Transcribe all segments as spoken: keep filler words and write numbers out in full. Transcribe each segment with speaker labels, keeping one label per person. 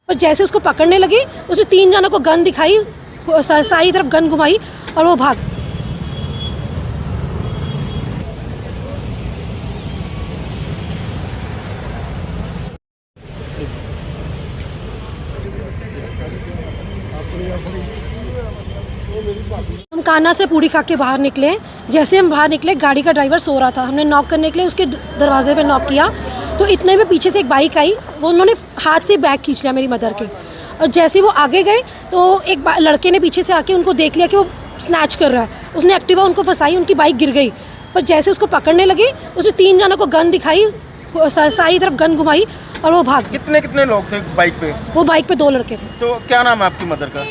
Speaker 1: और जैसे उसको पकड़ने लगी उसने तीन जनों को गन दिखाई, सारी तरफ गन घुमाई और वो भाग। हम कान्हा से पूड़ी खा के बाहर निकले। जैसे हम बाहर निकले गाड़ी का ड्राइवर सो रहा था। हमने नॉक करने के लिए उसके दरवाजे पे नॉक किया तो इतने में पीछे से एक बाइक आई, वो उन्होंने हाथ से बैग खींच लिया मेरी मदर के। और जैसे वो आगे गए तो एक लड़के ने पीछे से आके उनको देख लिया कि वो स्नैच कर रहा है। उसने एक्टिवा उनको फंसाई, उनकी बाइक गिर गई। पर जैसे उसको पकड़ने लगी उसने तीन जनों को गन दिखाई, सारी तरफ गन घुमाई और वो भाग।
Speaker 2: कितने कितने लोग थे बाइक पे?
Speaker 1: वो बाइक पे दो लड़के थे।
Speaker 2: तो क्या नाम है आपकी मदर का?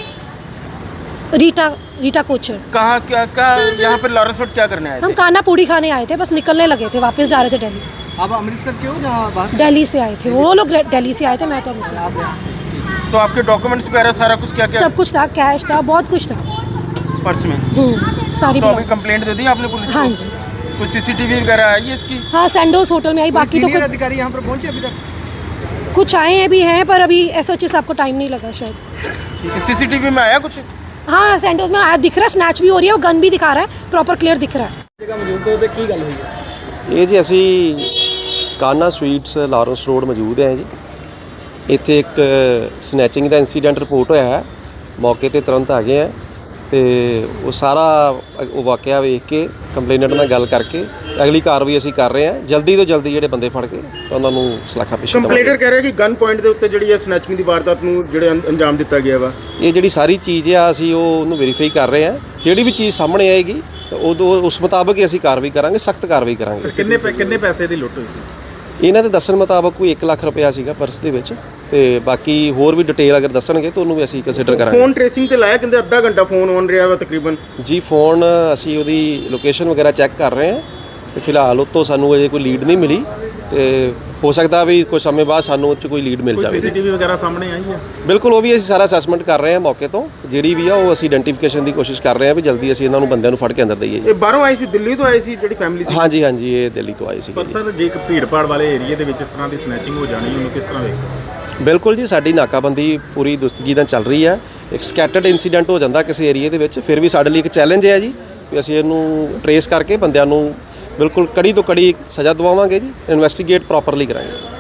Speaker 1: रीटा रीटा कोचर।
Speaker 2: कहाँ क्या क्या यहाँ पे लॉरेंस रोड क्या करने आए थे?
Speaker 1: हम कान्हा पूड़ी खाने आए थे, बस निकलने लगे थे, वापस जा रहे थे दिल्ली।
Speaker 3: आप अमृतसर के हो जहाँ बाहर से?
Speaker 1: दिल्ली से आए थे वो लोग, दिल्ली से आए थे, मैं तो अमृतसर से।
Speaker 2: तो आपके डॉक्यूमेंट्स वगैरह सारा कुछ क्या क्या?
Speaker 1: सब कुछ था, कैश था, बहुत कुछ था
Speaker 2: पर्स में।
Speaker 1: हम्म, सारी
Speaker 2: तो अभी कंप्लेंट दे दी आपने पुलिस को?
Speaker 1: हाँ जी।
Speaker 2: कोई सीसीटीवी वगैरह आई है इसकी?
Speaker 1: हाँ, सैंडोज होटल में आई। बाकी तो
Speaker 3: सीनियर
Speaker 1: कुछ
Speaker 3: अधिकारी यहाँ पर पहुँचे अभी तक?
Speaker 1: कुछ आए हैं भी हैं, पर अभी एस एच एस आपको टाइम नहीं लगा शायद।
Speaker 2: ठीक है, सीसीटीवी में आया कुछ?
Speaker 1: हाँ, सैंडोज में आया, दिख रहा है, स्नैच भी हो रही है और गन भी दिखा रहा है, प्रॉपर क्लियर दिख रहा है।
Speaker 3: जगह मौजूद हो तो की गल हुई है?
Speaker 4: ਇਹ ਜੀ ਅਸੀਂ ਕਾਨਾ ਸਵੀਟਸ ਲਾਰੈਂਸ ਰੋਡ ਮੌਜੂਦ ਹੈ ਜੀ। ਇੱਥੇ ਇੱਕ ਸਨੈਚਿੰਗ ਦਾ ਇਨਸੀਡੈਂਟ ਰਿਪੋਰਟ ਹੋਇਆ ਹੈ। ਮੌਕੇ ਤੇ ਤੁਰੰਤ ਆ ਗਏ ਆ ਤੇ ਉਹ ਸਾਰਾ ਉਹ ਵਾਕਿਆ ਵੇਖ ਕੇ ਕੰਪਲੇਨੈਂਟ ਨਾਲ ਗੱਲ ਕਰਕੇ ਅਗਲੀ ਕਾਰਵਾਈ ਅਸੀਂ ਕਰ ਰਹੇ ਹਾਂ। ਜਲਦੀ ਤੋਂ ਜਲਦੀ ਜਿਹੜੇ ਬੰਦੇ ਫੜ ਕੇ ਤਾਂ ਉਹਨਾਂ ਨੂੰ ਸਲਾਖਾ ਪੇਸ਼ ਕਰਾਂਗੇ।
Speaker 2: ਕੰਪਲੇਨਰ ਕਹਿ ਰਿਹਾ ਕਿ ਗਨ ਪੁਆਇੰਟ ਦੇ ਉੱਤੇ ਜਿਹੜੀ ਹੈ ਸਨੈਚਿੰਗ ਦੀ ਵਾਰਦਾਤ ਨੂੰ ਜਿਹੜੇ ਅੰਜਾਮ ਦਿੱਤਾ ਗਿਆ ਵਾ।
Speaker 4: ਇਹ ਜਿਹੜੀ ਸਾਰੀ ਚੀਜ਼ ਆ ਅਸੀਂ ਉਹ ਉਹਨੂੰ ਵੈਰੀਫਾਈ ਕਰ ਰਹੇ ਹਾਂ। ਜਿਹੜੀ ਵੀ ਚੀਜ਼ ਸਾਹਮਣੇ ਆਏਗੀ ਉਦੋਂ ਉਸ ਮੁਤਾਬਕ ਹੀ ਅਸੀਂ ਕਾਰਵਾਈ ਕਰਾਂਗੇ, ਸਖਤ ਕਾਰਵਾਈ ਕਰਾਂਗੇ।
Speaker 2: ਕਿੰਨੇ ਕਿੰਨੇ ਪੈਸੇ ਦੀ ਲੁੱਟ ਹੋਈ ਸੀ?
Speaker 4: ਇਹਨਾਂ ਦੇ ਦੱਸਣ ਮੁਤਾਬਕ ਕੋਈ ਇੱਕ ਲੱਖ ਰੁਪਇਆ ਸੀਗਾ ਪਰਸ ਦੇ ਵਿੱਚ ਤੇ ਬਾਕੀ ਹੋਰ ਵੀ ਡਿਟੇਲ ਅਗਰ ਦੱਸਣਗੇ ਤਾਂ ਉਹਨੂੰ ਵੀ ਅਸੀਂ ਕੰਸੀਡਰ ਕਰਾਂਗੇ।
Speaker 2: ਫੋਨ ਟ੍ਰੇਸਿੰਗ ਤੇ ਲਾਇਆ, ਕਹਿੰਦੇ ਅੱਧਾ ਘੰਟਾ ਫੋਨ ਔਨ ਰਿਹਾ ਵਾ ਤਕਰੀਬਨ।
Speaker 4: ਜੀ ਫੋਨ ਅਸੀਂ ਉਹਦੀ ਲੋਕੇਸ਼ਨ ਵਗੈਰਾ ਚੈੱਕ ਕਰ ਰਹੇ ਹਾਂ ਤੇ ਫਿਲਹਾਲ ਉਹ ਤੋਂ ਸਾਨੂੰ ਅਜੇ ਕੋਈ ਲੀਡ ਨਹੀਂ ਮਿਲੀ ਤੇ ਹੋ ਸਕਦਾ ਵੀ ਕੁਝ ਸਮੇਂ ਬਾਅਦ ਸਾਨੂੰ ਉਹ 'ਚ ਕੋਈ ਲੀਡ ਮਿਲ ਜਾਵੇ।
Speaker 2: ਸੀਸੀਟੀਵੀ ਵਗੈਰਾ ਸਾਹਮਣੇ ਆਈ ਹੈ?
Speaker 4: ਬਿਲਕੁਲ, ਉਹ ਵੀ ਅਸੀਂ ਸਾਰਾ ਅਸੈਸਮੈਂਟ ਕਰ ਰਹੇ ਹਾਂ ਮੌਕੇ ਤੋਂ। ਜਿਹੜੀ ਵੀ ਆ ਉਹ ਅਸੀਂ ਆਇਡੈਂਟੀਫਿਕੇਸ਼ਨ ਦੀ ਕੋਸ਼ਿਸ਼ ਕਰ ਰਹੇ ਹਾਂ ਵੀ ਜਲਦੀ ਅਸੀਂ ਇਹਨਾਂ ਨੂੰ ਬੰਦਿਆਂ ਨੂੰ ਫੜ ਕੇ ਅੰਦਰ ਦਈਏ।
Speaker 2: ਇਹ ਬਾਹਰੋਂ ਆਈ ਸੀ, ਦਿੱਲੀ ਤੋਂ ਆਈ ਸੀ ਜਿਹੜੀ ਫੈਮਿਲੀ ਸੀ?
Speaker 4: ਹਾਂਜੀ ਹਾਂਜੀ, ਇਹ ਦਿੱਲੀ ਤੋਂ ਆਈ ਸੀ।
Speaker 5: ਪਰ ਸਰ ਜੇ ਇੱਕ ਭੀੜਪਾੜ ਵਾਲੇ ਏਰੀਏ ਦੇ ਵਿੱਚ ਇਸ ਤਰ੍ਹਾਂ ਦੀ ਸਨੈਚਿੰਗ ਹੋ ਜਾਣੀ, ਉਹਨੂੰ ਕਿਸ ਤਰ੍ਹਾਂ ਵੇਖੋ?
Speaker 4: ਬਿਲਕੁਲ ਜੀ, ਸਾਡੀ ਨਾਕਾਬੰਦੀ ਪੂਰੀ ਦੁਸਤਗੀ ਨਾਲ ਚੱਲ ਰਹੀ ਹੈ। ਇੱਕ ਸਕੈਟਰਡ ਇਨਸੀਡੈਂਟ ਹੋ ਜਾਂਦਾ ਕਿਸੇ ਏਰੀਏ ਦੇ ਵਿੱਚ, ਫਿਰ ਵੀ ਸਾਡੇ ਲਈ ਇੱਕ ਚੈਲੰਜ ਹੈ ਜੀ ਵੀ ਅਸੀਂ ਇਹਨੂੰ ਟਰੇਸ ਕਰਕੇ ਬੰਦਿਆਂ ਨੂੰ ਬਿਲਕੁਲ ਕੜੀ ਤੋਂ ਕੜੀ ਸਜ਼ਾ ਦਵਾਵਾਂਗੇ ਜੀ। ਇਨਵੈਸਟੀਗੇਟ ਪ੍ਰੋਪਰਲੀ ਕਰਾਂਗੇ।